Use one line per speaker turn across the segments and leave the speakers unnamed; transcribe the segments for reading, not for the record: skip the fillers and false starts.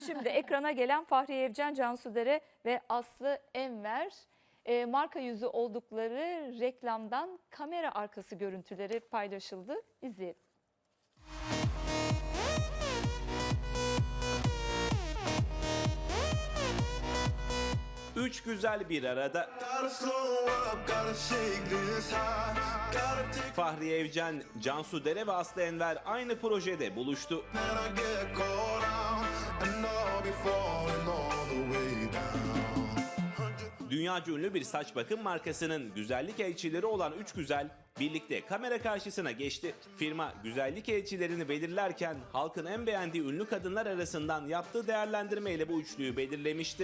Şimdi ekrana gelen Fahriye Evcen, Cansu Dere ve Aslı Enver marka yüzü oldukları reklamdan kamera arkası görüntüleri paylaşıldı. İzleyelim.
Üç güzel bir arada. Fahriye Evcen, Cansu Dere ve Aslı Enver aynı projede buluştu. Dünyaca ünlü bir saç bakım markasının güzellik elçileri olan üç güzel birlikte kamera karşısına geçti. Firma güzellik elçilerini belirlerken halkın en beğendiği ünlü kadınlar arasından yaptığı değerlendirmeyle bu üçlüyü belirlemişti.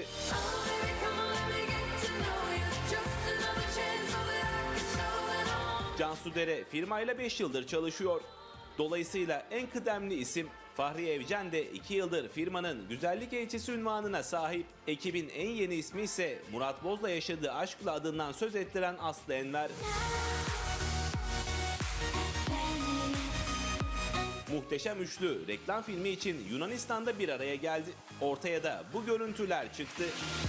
Cansu Dere firmayla 5 yıldır çalışıyor. Dolayısıyla en kıdemli isim. Fahriye Evcen de 2 yıldır firmanın güzellik elçisi unvanına sahip. Ekibin en yeni ismi ise Murat Boz'la yaşadığı aşkla adından söz ettiren Aslı Enver. Muhteşem üçlü reklam filmi için Yunanistan'da bir araya geldi. Ortaya da bu görüntüler çıktı.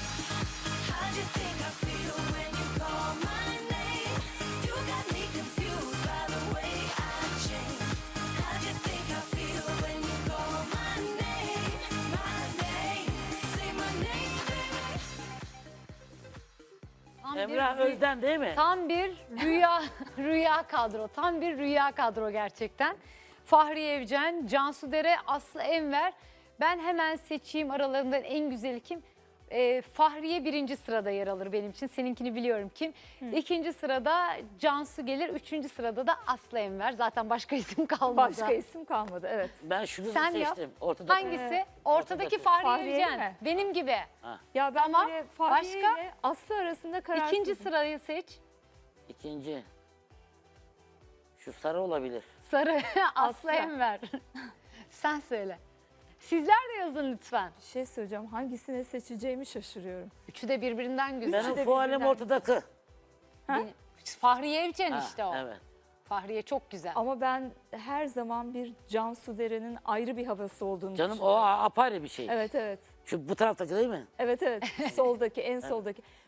Emrah Özden değil mi?
Tam bir rüya kadro. Tam bir rüya kadro gerçekten. Fahriye Evcen, Cansu Dere, Aslı Enver. Ben hemen seçeyim aralarından en güzeli kim? Fahriye birinci sırada yer alır benim için. Seninkini biliyorum kim. İkinci sırada Cansu gelir. Üçüncü sırada da Aslı Enver. Zaten başka isim kalmadı.
Başka isim kalmadı, evet.
Ben şunu
Sen yap.
seçtim. Ortada
Hangisi? Ortadaki Fahriye
Fahriye
Evcen.
mi?
Benim gibi.
Ya ben
Tamam,
böyle Fahriye
başka?
ile Aslı arasında kararsızım.
İkinci sırayı seç.
İkinci. Şu sarı olabilir.
Sarı Aslı
Aslı.
Enver. Sen söyle. Sizler de yazın lütfen.
Bir şey söyleyeceğim, hangisini seçeceğimi şaşırıyorum.
Üçü de birbirinden güzel.
Benim
de
fualim
birbirinden
ortadaki.
Fahriye Evcen
Ha,
işte o.
Evet.
Fahriye çok güzel.
Ama ben her zaman bir Cansu Dere'nin ayrı bir havası olduğunu
Canım o
düşünüyorum.
apayrı bir şey.
Evet, evet.
Şu bu taraftaki değil mi?
Evet, evet. Soldaki, en soldaki.